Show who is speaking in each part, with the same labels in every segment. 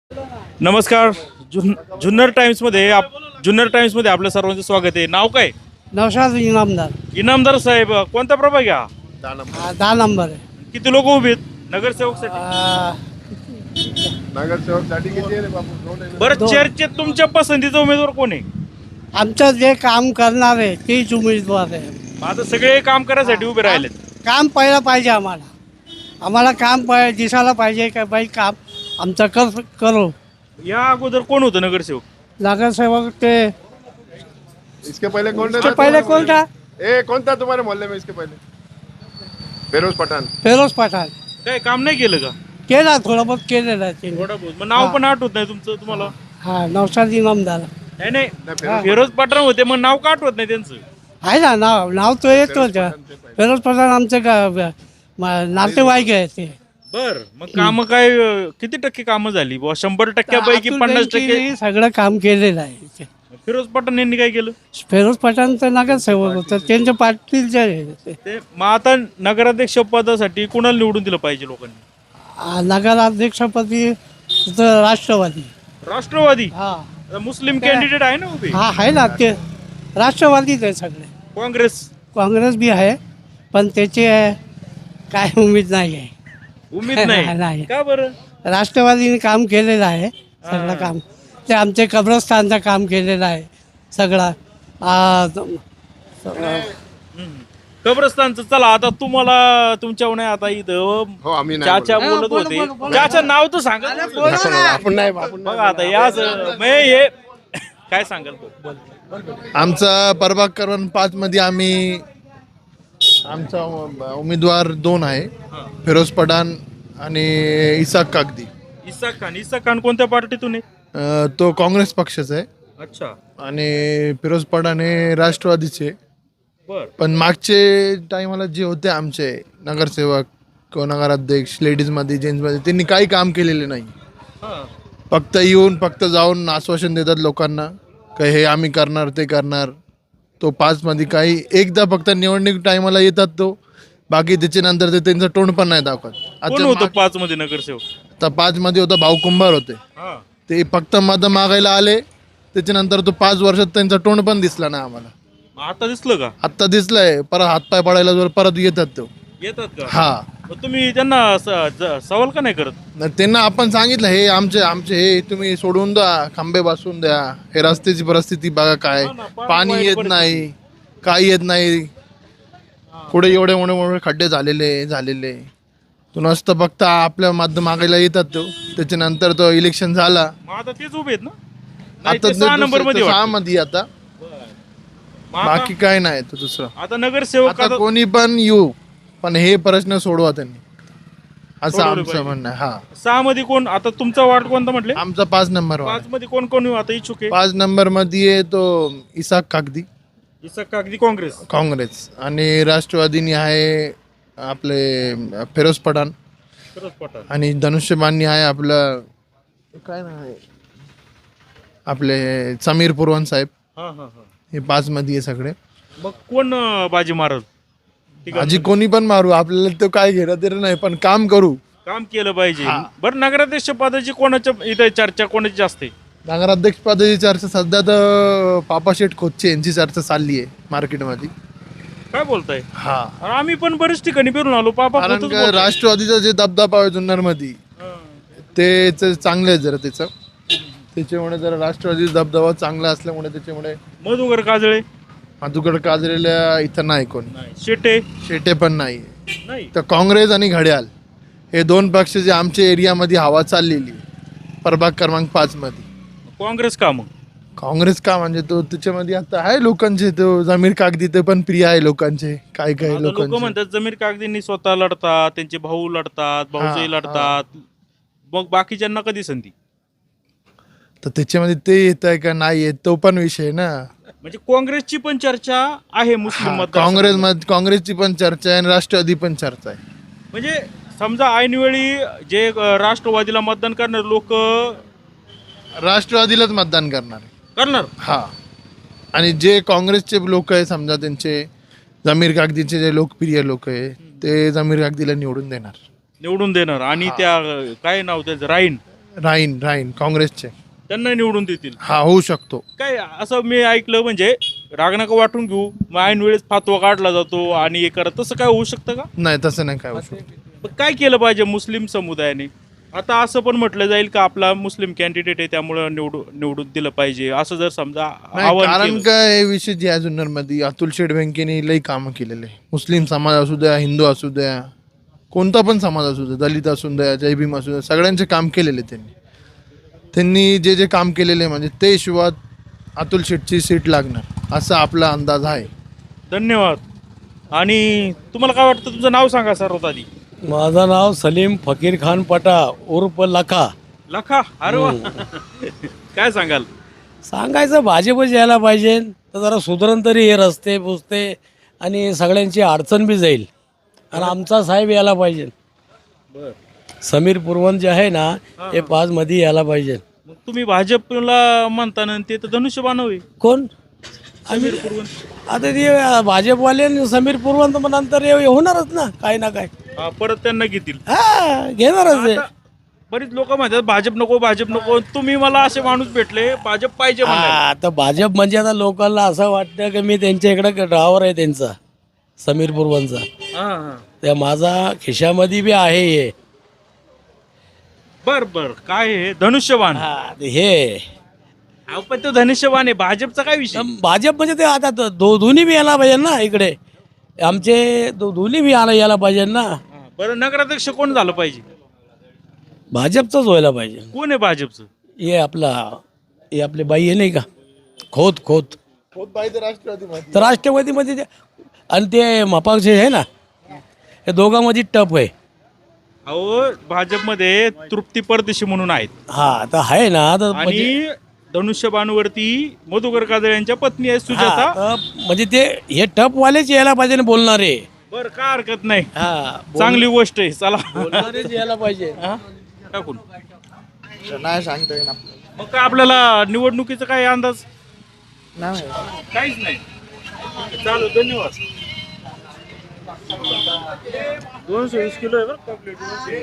Speaker 1: नमस्कार. जुन्नर टाइम्समध्ये आपलं सर्वांचं स्वागत आहे. नाव काय?
Speaker 2: नौशाद इनामदार.
Speaker 1: इनामदार साहेब, कोणता प्रभाग घ्या?
Speaker 2: 10 नंबर आहे.
Speaker 1: किती लोक उभे आहेत नगरसेवकसाठी?
Speaker 3: नगरसेवकसाठी किती आहे रे बापू? दोन आहे ना.
Speaker 1: बरं, चर्चेत तुमच्या पसंतीचा उमेदवार कोण आहे?
Speaker 2: आमचं जे काम करणार आहे तेच उमेदवार आहे.
Speaker 1: आता सगळे काम करायसाठी उभे राहिलेत.
Speaker 2: काम पहिलं पाहिजे आम्हाला काम दिसायला पाहिजे का बाई काम आमचं करू.
Speaker 1: या अगोदर कोण होतं नगरसेवक?
Speaker 2: नगरसेवक ते
Speaker 3: इसके पहले कौन
Speaker 2: इसके
Speaker 3: था?
Speaker 2: पहले कौन था?
Speaker 3: कौन था तुम्हारे मोहल्ले में इसके पहले? फिरोज पठान.
Speaker 2: फिरोज पठाण.
Speaker 1: काय काम नाही केलं का?
Speaker 2: केला थोडं बहुत केलेलं आहे त्यांनी.
Speaker 1: थोडा बहुत. मग नाव पण आठवत नाही तुमचं तुम्हाला?
Speaker 2: हा नौशाद इनामदार
Speaker 1: नाही नाही,
Speaker 3: फिरोज
Speaker 1: फिरोज पठाण होते, मग नाव का आठवत नाही त्यांचं?
Speaker 2: आहे ना नाव तो येतो. फिरोज पठाण आमचं नातेवाईक आहे ते.
Speaker 1: बर, मग काम काय किती टक्के कामं झाली बुवा? 100%पैकी 50%?
Speaker 2: सगळं काम केलेलं आहे.
Speaker 1: फिरोज पठाण यांनी काय केलं?
Speaker 2: फिरोज पठाण तर नगरसेवक होतं त्यांच्या पाटीलचे आहे ते.
Speaker 1: ते मग आता नगराध्यक्ष पदासाठी कुणाला निवडून दिलं पाहिजे लोकांनी?
Speaker 2: नगराध्यक्षपदी तर राष्ट्रवादी.
Speaker 1: राष्ट्रवादी?
Speaker 2: हा
Speaker 1: आता मुस्लिम कॅन्डिडेट आहे ना उभे?
Speaker 2: हा आहे ना ते राष्ट्रवादीच आहे सगळे. काँग्रेस बी आहे पण त्याची काय उमेद नाही आहे.
Speaker 1: उमेद
Speaker 2: नाही.
Speaker 1: नाही का बरं?
Speaker 2: राष्ट्रवादीने काम केलेलं आहे सगळं काम. ते आमचे कब्रस्तानचं काम केलेलं आहे सगळं.
Speaker 1: कब्रस्तानचं. चला आता तुम्हाला तुमच्या नाही आता इथं
Speaker 3: हो आम्ही नाही
Speaker 1: चाचा बोलत होते. चाचा नाव तर सांगा.
Speaker 3: आपण नाही आपण
Speaker 1: बघा आता याच हे काय सांगाल?
Speaker 4: आमचा प्रभाग क्रमांक 5 मध्ये आमचा उमेदवार 2 आहे, फिरोज पठाण आणि इसाक कागदी.
Speaker 1: इसाक खान कोणत्या पार्टीतून आहे?
Speaker 4: तो काँग्रेस पक्षाचा आहे
Speaker 1: अच्छा.
Speaker 4: आणि फिरोज पठाण हे राष्ट्रवादीचे.
Speaker 1: बर.
Speaker 4: पण मागचे टायमाला जे होते आमचे नगरसेवक किंवा नगराध्यक्ष लेडीजमध्ये जेंट्समध्ये त्यांनी काही काम केलेले नाही. फक्त फक्त जाऊन आश्वासन देतात लोकांना का हे आम्ही करणार ते करणार. तो 5 मध्ये काही एकदा फक्त निवडणूक टायमाला येतात तो, बाकी त्याच्यानंतर ते त्यांचं तोंड पण नाही दाखवत.
Speaker 1: कोण होतं 5 मध्ये नगरसेवक?
Speaker 4: आता 5 मध्ये होता भाऊ कुंभार होते. ते फक्त मत मागायला आले, त्याच्यानंतर तो 5 वर्षात त्यांचा तोंड पण दिसला नाही आम्हाला.
Speaker 1: आता दिसलं का?
Speaker 4: आत्ता दिसलाय, परत हातपाय पडायला जर परत येतात तो.
Speaker 1: येतात का?
Speaker 4: हा.
Speaker 1: मग तुम्ही त्यांना सवाल का नाही करत?
Speaker 4: न त्यांना आपण सांगितलं हे आमचे हे तुम्ही सोडून द्या, खांबे बसवून द्या, हे रस्त्याची परिस्थिती बघा काय,
Speaker 1: हा ना, फार
Speaker 4: पाणी
Speaker 1: वाईट
Speaker 4: येत नाही, काही येत नाही. पुढे एवढे मोठे खड्डे झालेले तो नसतं फक्त आपल्या मागायला येतात तो. त्याच्यानंतर तो इलेक्शन झाला,
Speaker 1: मग आता तेच उभे आहेत ना? नाही,
Speaker 4: आता
Speaker 1: ते 6 नंबर मध्ये
Speaker 4: 6
Speaker 1: वाटतं.
Speaker 4: मध्ये आता
Speaker 1: मग
Speaker 4: बाकी काय नाही तो दुसरं.
Speaker 1: आता नगरसेवक
Speaker 4: आता कोणी पण येऊ, पण हे प्रश्न सोडवा त्यांनी, असं
Speaker 1: सोडवले
Speaker 4: आमचं
Speaker 1: पाहिजे.
Speaker 4: म्हणणं आहे. हा,
Speaker 1: 6 मध्ये कोण? आता तुमचा वार्ड कोणता म्हटले?
Speaker 4: आमचा 5 नंबर
Speaker 1: 5 मध्ये कोण कोण आता इच्छुक आहे?
Speaker 4: 5 नंबर मध्ये तो इसाक कागदी
Speaker 1: इसाक कागदी काँग्रेस.
Speaker 4: काँग्रेस, आणि राष्ट्रवादीनी आहे आपले फिरोज पठाण,
Speaker 1: फिरोज पठाण.
Speaker 4: आणि धनुष्यबाणी आहे आपलं काय नाव आहे आपले समीर पुरवान साहेब.
Speaker 1: हा हा हा.
Speaker 4: हे 5 मध्ये आहे सगळे.
Speaker 1: मग कोण बाजी मारल? ठीक आहे.
Speaker 4: आजी कोणी पण मारू, आपल्याला तो काय घेणं तरी नाही, पण काम करू.
Speaker 1: काम केलं पाहिजे.
Speaker 4: हा.
Speaker 1: बरं, नगराध्यक्ष पदाची कोणाच्या इथे चर्चा कोणाची जास्त आहे?
Speaker 4: नगराध्यक्ष पदाची चर्चा सध्या तर पापाशेठ खोतचे यांची चर्चा चालली आहे मार्केटमध्ये.
Speaker 1: काय बोलताय?
Speaker 4: हा,
Speaker 1: अरे आम्ही पण बरेच ठिकाणी फिरून आलो. पापा
Speaker 4: कारण
Speaker 1: खोतच
Speaker 4: का
Speaker 1: बोलताय.
Speaker 4: राष्ट्रवादीचा जे दबदबा आहे जुन्नरमध्ये
Speaker 1: हा.
Speaker 4: ते चांगलं आहे जरा त्याच्यामुळे जरा राष्ट्रवादी दबदबा चांगला असल्यामुळे त्याच्यामुळे
Speaker 1: मधुकर काजळे
Speaker 4: मधुकर काजरेला इथं नाही कोणी.
Speaker 1: शेटे
Speaker 4: शेटे पण नाही.
Speaker 1: नाही.
Speaker 4: तर काँग्रेस आणि घड्याळ हे 2 पक्ष जे आमच्या एरियामध्ये हवा चाललेली आहे, प्रभाग क्रमांक 5 मध्ये.
Speaker 1: काँग्रेस का? मग
Speaker 4: काँग्रेस का म्हणजे तो त्याच्यामध्ये आता आहे लोकांचे, तो जमीर कागदी ते पण प्रिय आहे लोकांचे. काय
Speaker 1: लोक
Speaker 4: लोकांचे
Speaker 1: म्हणतात जमीर कागदींनी स्वतः लढतात, त्यांचे भाऊ लढतात, भाऊजाई
Speaker 4: हा.
Speaker 1: लढतात, मग बाकीच्यांना कधी संधी?
Speaker 4: तर त्याच्यामध्ये ते येत आहे का नाही येत तो पण विषय ना.
Speaker 1: म्हणजे काँग्रेसची पण चर्चा आहे मुस्लिम
Speaker 4: हा,
Speaker 1: मतदारसंघात.
Speaker 4: काँग्रेसची पण चर्चा आहे आणि राष्ट्रवादी पण चर्चा आहे.
Speaker 1: म्हणजे समजा ऐनवेळी जे राष्ट्रवादीला मतदान करणार लोक
Speaker 4: राष्ट्रवादीलाच मतदान करणार आहे.
Speaker 1: करणार.
Speaker 4: हा, आणि जे काँग्रेसचे लोक आहे समजा त्यांचे जमीर कागदीचे जे लोकप्रिय लोक आहे ते जमीर कागदीला निवडून देणार.
Speaker 1: आणि त्या काय नाव त्याचं राईन
Speaker 4: राहीन काँग्रेसचे.
Speaker 1: त्यांना निवडून देतील.
Speaker 4: हा, होऊ शकतो.
Speaker 1: काय असं मी ऐकलं म्हणजे राग नका वाटून घेऊ, मग ऐन वेळेस फातवा काढला जातो आणि हे करत, तसं काय होऊ शकतं का?
Speaker 4: नाही, तसं नाही काय होऊ शकतो.
Speaker 1: मग काय केलं पाहिजे मुस्लिम समुदायाने? आता असं पण म्हटलं जाईल का आपला मुस्लिम कॅन्डिडेट आहे त्यामुळं निवडून दिलं पाहिजे, असं जर समजा
Speaker 4: नाही,
Speaker 1: आवाहन
Speaker 4: कारण
Speaker 1: केलं.
Speaker 4: काय विषय जे आहे जुन्नरमध्ये अतुल शेठ बँकेने लई कामं केलेले. मुस्लिम समाज असू द्या, हिंदू असू द्या, कोणता पण समाज असू द्या, दलित असू द्या, जय भीम असू द्या, सगळ्यांचे काम केलेले त्यांनी जे काम केलेले म्हणजे ते हिशोबात अतुल शेठची सीट लागणार असा आपला अंदाज आहे.
Speaker 1: धन्यवाद. आणि तुम्हाला काय वाटतं? तुमचं नाव सांगा सर्वात आधी.
Speaker 5: माझं नाव सलीम फकीर खान पटा उर्फ लखा.
Speaker 1: लखा, अरे वा. काय सांगाल?
Speaker 5: सांगायचं भाजपच यायला पाहिजे, तर जरा सुधरण तरी हे रस्ते पुसते आणि सगळ्यांची अडचण बी जाईल. आणि आमचा साहेब यायला पाहिजे. समीर पुरवंत जे आहे ना, हे 5 मध्ये यायला पाहिजे.
Speaker 1: मग तुम्ही भाजपला म्हणताना ते तर धनुष्यबाण होईल.
Speaker 5: कोण? आता ते भाजपवाले आणि समीर पुरवंत मग नंतर हे होणारच ना, काही ना काय.
Speaker 1: परत त्यांना घेतील.
Speaker 5: हा, घेणारच आहे.
Speaker 1: आता बरीच लोक म्हणतात भाजप नको. तुम्ही मला असे माणूस भेटले भाजप पाहिजे म्हणाले.
Speaker 5: आता भाजप म्हणजे आता लोकांना असं वाटतं की मी त्यांच्या इकडे ड्रायव्हर आहे त्यांचा, समीर पुरवंतचा.
Speaker 1: हा, हा.
Speaker 5: त्या माझा खिशामध्ये बी आहे हे.
Speaker 1: बर काय हे धनुष्यबाण?
Speaker 5: हा, ते हे
Speaker 1: अहो, पण तो धनुष्यबाण आहे, भाजपचा काय विषय?
Speaker 5: भाजप म्हणजे ते आता दोन्ही बी यायला पाहिजे ना इकडे. आमचे दोन्ही बी यायला पाहिजे ना.
Speaker 1: बरं, नगराध्यक्ष कोण झालं पाहिजे?
Speaker 5: भाजपचंच व्हायला पाहिजे.
Speaker 1: कोण आहे भाजपचं?
Speaker 5: हे आपले बाई आहे नाही का, खोत तर राष्ट्रवादीमध्ये आणि ते मपाचे आहे ना, हे दोघांमध्ये टप आहे.
Speaker 1: अहो, भाजपमध्ये तृप्ती परदेशी म्हणून आहेत.
Speaker 5: हा, आता आहे ना. तर
Speaker 1: आणि धनुष्यबाणवरती मधुकर काजळे यांच्या पत्नी आहे सुजाता.
Speaker 5: म्हणजे ते हे टपवालेच यायला पाहिजे ना बोलणारे.
Speaker 1: बर, काय हरकत नाही,
Speaker 5: हा,
Speaker 1: चांगली गोष्ट आहे. चला
Speaker 5: बोलणारेच यायला पाहिजे.
Speaker 1: टाकून.
Speaker 4: नाही सांगता येईल
Speaker 1: मग काय आपल्याला निवडणुकीचा काय अंदाज? काहीच नाही. चालू, धन्यवाद. 220 किलो आहे बरं का प्लेट.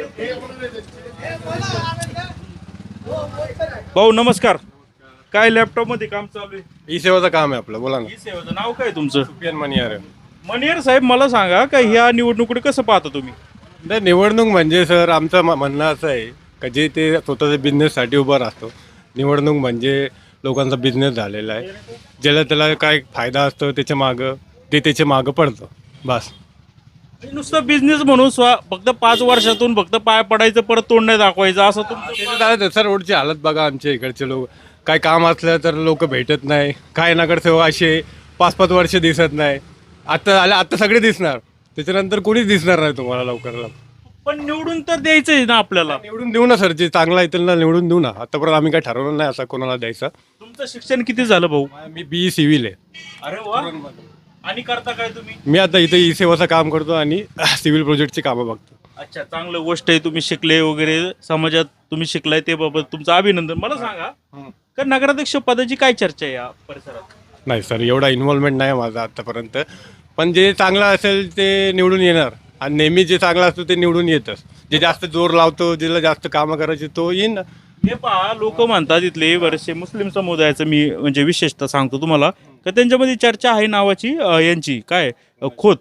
Speaker 1: भाऊ नमस्कार. काय लॅपटॉप मध्ये काम चालू आहे?
Speaker 6: ई सेवाचं काम आहे आपलं, बोला ना.
Speaker 1: ई सेवाचं नाव काय तुमचं?
Speaker 6: सुफियान मनियार.
Speaker 1: मनियर साहेब, मला सांगा का ह्या निवडणुकीकडे कसं पाहता तुम्ही?
Speaker 6: नाही, निवडणूक म्हणजे सर आमचं म्हणणं असं आहे का जे ते स्वतःच्या बिझनेससाठी उभं राहतो. निवडणूक म्हणजे लोकांचा बिझनेस झालेला आहे. ज्याला त्याला काय फायदा असतो त्याच्या मागं पडतं बस.
Speaker 1: नुसतं बिझनेस म्हणून फक्त 5 वर्षातून फक्त पाय पडायचं, परत तोंड नाही दाखवायचं, असं तुमचं?
Speaker 6: सर रोडची हालत बघा आमच्या इकडचे लोक. काय काम असलं तर लोक भेटत नाही. काय नगरसेवक असे 5-5 वर्ष दिसत नाही. आता सगळे दिसणार, त्याच्यानंतर कोणीच दिसणार नाही तुम्हाला लवकर.
Speaker 1: पण निवडून तर द्यायचंय ना आपल्याला.
Speaker 6: निवडून देऊ ना सर, जे चांगला आहे त्यांना निवडून देऊ ना. आतापर्यंत आम्ही काय ठरवलं नाही असं कोणाला द्यायचं.
Speaker 1: तुमचं शिक्षण किती झालं भाऊ?
Speaker 6: मी BE सिव्हिल आहे.
Speaker 1: अरे वा. आणि करता काय तुम्ही?
Speaker 6: मी आता इथे ई सेवाचं काम करतो आणि सिव्हिल प्रोजेक्टची कामं बघतो.
Speaker 1: अच्छा, चांगलं गोष्ट आहे. तुम्ही शिकले वगैरे, समाजात तुम्ही शिकलाय ते बाबत तुमचं अभिनंदन. मला सांगा का नगराध्यक्ष पदाची काय चर्चा आहे या परिसरात?
Speaker 6: नाही सर, एवढा इन्व्हॉल्वमेंट नाही माझा आतापर्यंत. पण जे चांगलं असेल ते निवडून येणार आणि नेहमी जे चांगलं असतं ते निवडून येतच. जे जास्त जोर लावतो, ज्याला जास्त कामं करायची तो येईन ना.
Speaker 1: हे पहा, लोक म्हणतात इथले बरेचसे मुस्लिम समुदायाचं, मी म्हणजे विशेषतः सांगतो तुम्हाला, का त्यांच्यामध्ये चर्चा आहे नावाची यांची काय खोत,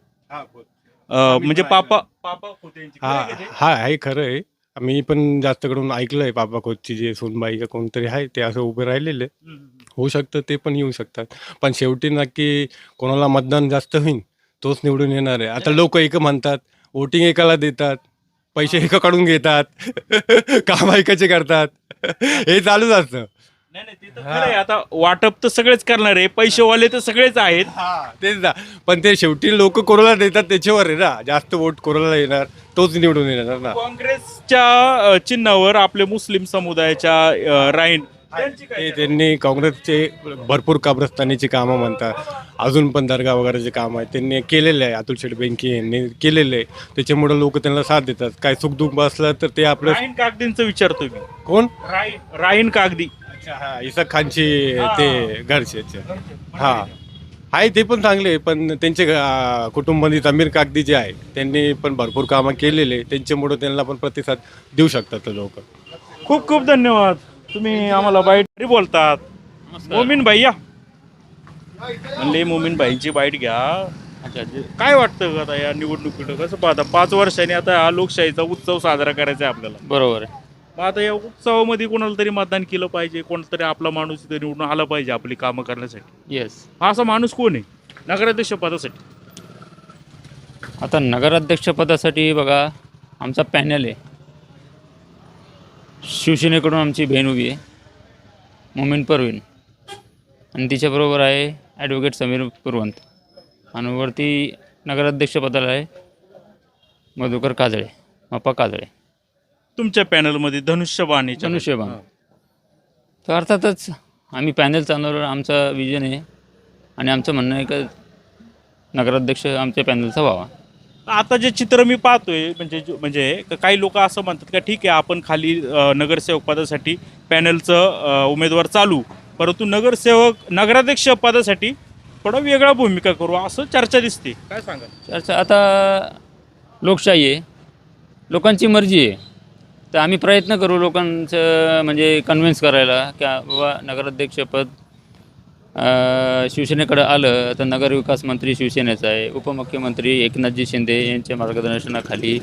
Speaker 1: म्हणजे पापा खोत यांची.
Speaker 6: हा आहे, खरं आहे. मी पण जास्त करून ऐकलंय पापा खोतची जे सोनबाई का कोणतरी आहे ते असं उभे राहिलेले. होऊ शकतं ते पण येऊ शकतात. पण शेवटी नक्की कोणाला मतदान जास्त होईल तोच निवडून येणार आहे. आता लोक एक म्हणतात वोटिंग एकाला देतात, पैसे एकाकडून घेतात, काम ऐकायचे करतात, हे चालूच असतं.
Speaker 1: नाही, ते तर खरं आहे. आता वाटप तर सगळेच करणार आहे, पैसेवाले तर सगळेच आहेत.
Speaker 6: तेच ना. पण ते शेवटी लोक कोणाला देतात त्याच्यावर आहे ना. जास्त वोट कोणाला येणार तोच निवडून येणार ना.
Speaker 1: काँग्रेसच्या चिन्हावर आपले मुस्लिम समुदायाच्या राईन
Speaker 6: त्यांनी काँग्रेसचे भरपूर कब्रस्तानीची कामं म्हणतात. अजून पण दर्गा वगैरेचे काम आहे त्यांनी केलेले आहे. अतुल शेठ बेंके यांनी केलेले आहे. त्याच्यामुळे लोक त्यांना साथ देतात. काय सुखदुःख असलं तर ते आपलं.
Speaker 1: राहीन कागदींचं विचारतो मी.
Speaker 6: कोण?
Speaker 1: राहीन कागदी.
Speaker 6: हा, इसाक खानची ते घरचे. हा आहे, ते पण चांगले. पण त्यांचे कुटुंबातील अमीर कागदी जे आहे त्यांनी पण भरपूर कामं केलेले. त्यांच्यामुळे त्यांना पण प्रतिसाद देऊ शकतात लोक.
Speaker 1: खूप खूप धन्यवाद. तुम्ही आम्हाला बाईट बोलतात. मोमीन भाई या म्हणले, मोमीन भाईंची बाईट घ्या. अच्छा, काय वाटतं आता या निवडणुकीत कसं पाहता? 5 वर्षांनी आता हा लोकशाहीचा उत्सव साजरा करायचा आहे आपल्याला.
Speaker 7: बरोबर आहे.
Speaker 1: मग आता या उत्सवामध्ये कोणाला तरी मतदान केलं पाहिजे, कोणाला तरी आपला माणूस इथं निवडून आला पाहिजे आपली कामं करण्यासाठी.
Speaker 7: येस.
Speaker 1: हा असा माणूस कोण आहे नगराध्यक्ष पदासाठी?
Speaker 7: आता नगराध्यक्षपदासाठी बघा, आमचा पॅनल आहे. शिवसेनेकडून आमची बहीण उभी आहे, मोमीन परवीन, आणि तिच्याबरोबर आहे ॲडव्होकेट समीर पुरवंत, आणि वरती नगराध्यक्षपदाला आहे मधुकर काजळे, मप्पा काजळे.
Speaker 1: तुमच्या पॅनलमध्ये धनुष्यबाण आहे.
Speaker 7: धनुष्यबाण. तर अर्थातच आम्ही पॅनल चालवणार, आमचा विजन आहे आणि आमचं म्हणणं आहे का नगराध्यक्ष आमच्या पॅनलचा व्हावा.
Speaker 1: आता जे चित्र मी पाहतोय म्हणजे काही लोक असं म्हणतात का ठीक आहे आपण खाली नगरसेवक पदासाठी पॅनलचं उमेदवार चालू, परंतु नगराध्यक्ष पदासाठी थोडा वेगळा भूमिका करू असं चर्चा दिसते. काय सांगा?
Speaker 7: चर्चा आता लोकशाही आहे, लोकांची मर्जी आहे, तर आम्ही प्रयत्न करू लोकांचं म्हणजे कन्व्हिन्स करायला की बाबा नगराध्यक्षपद शिवसेनेकडं आलं तर नगरविकास मंत्री शिवसेनेचा आहे, उपमुख्यमंत्री एकनाथजी शिंदे यांच्या मार्गदर्शनाखाली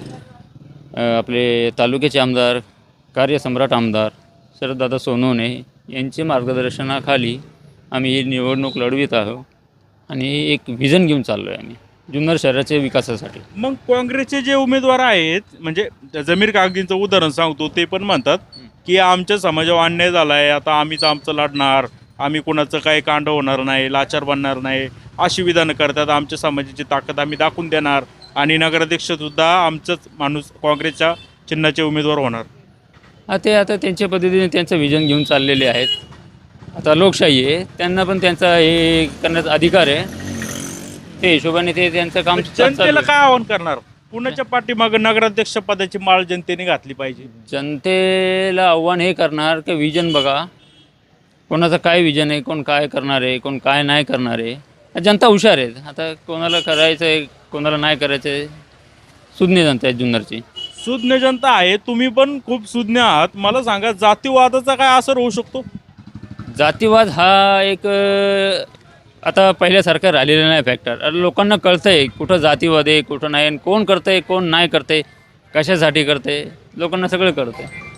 Speaker 7: आपले तालुक्याचे आमदार, कार्यसम्राट आमदार शरददादा सोनवणे यांच्या मार्गदर्शनाखाली आम्ही ही निवडणूक लढवित आहोत आणि एक व्हिजन घेऊन चाललो आहे आम्ही जुन्नर शहराच्या विकासासाठी.
Speaker 1: मग काँग्रेसचे जे उमेदवार आहेत म्हणजे जमीर कागदींचं उदाहरण सांगतो, ते पण म्हणतात की आमच्या समाजावर अन्याय झाला आहे, आता आम्हीच आमचं लढणार, आम्ही कोणाचं काही कांड होणार नाही, लाचार बनणार नाही अशी विधानं करतात. आमच्या समाजाची ताकद आम्ही दाखवून देणार आणि नगराध्यक्षसुद्धा आमचंच माणूस काँग्रेसच्या चिन्हाचे उमेदवार होणार.
Speaker 7: ते आता त्यांच्या पद्धतीने त्यांचं व्हिजन घेऊन चाललेले आहेत. आता लोकशाही आहे, त्यांना पण त्यांचा हे करण्याचा अधिकार आहे, ते हिशोबाने ते त्यांचं काम
Speaker 1: जनतेला काय आवाहन करणार? पुण्याच्या पाठीमागं नगराध्यक्ष पदाची माळ जनतेने घातली पाहिजे.
Speaker 7: जनतेला आव्हान हे करणार की विजन बघा, कोणाचं काय विजन आहे, कोण काय करणार आहे, कोण काय नाही करणार आहे. जनता हुशार आहे, आता कोणाला करायचं आहे कोणाला नाही करायचं आहे, सुज्ञ जनता आहे जुन्नरची.
Speaker 1: सुज्ञ जनता आहे, तुम्ही पण खूप सुज्ञ आहात. मला सांगा जातीवादाचा काय असर होऊ शकतो?
Speaker 7: जातीवाद हा एक आता पहिल्यासारखं राहिलेलं नाही फॅक्टर. लोकांना कळतं आहे कुठं जातीवाद आहे कुठं नाही, कोण करतं आहे कोण नाही करतं आहे, कशासाठी करतं आहे, लोकांना सगळं कळतं आहे.